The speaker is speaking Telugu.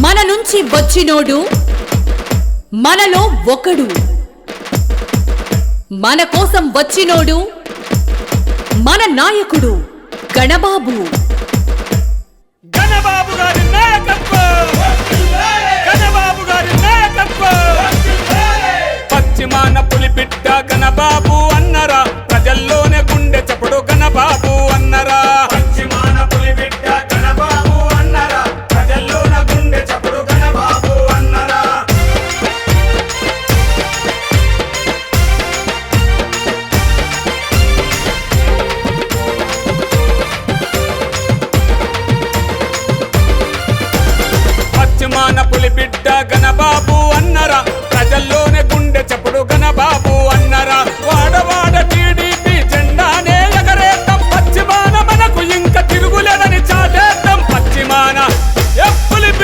మన నుంచి వచ్చినోడు మనలో ఒకడు, మన కోసం వచ్చినోడు మన నాయకుడు గణబాబు. గణబాబు గారి నాయకత్వం, గణబాబు గారి నాయకత్వం. పశ్చిమాన పులిబిడ్డ గణబాబు అన్నరా, ప్రజల్లోనే గుండె చప్పుడు గణబాబు అన్నరా. పశ్చిమాన పులిబిడ్డ గణబాబు అన్నరా, ప్రజల్లోన గుండె చప్పుడు గణబాబు అన్నరా. పశ్చిమాన పులిబిడ్డ గణబాబు అన్నరా, ప్రజల్లోనే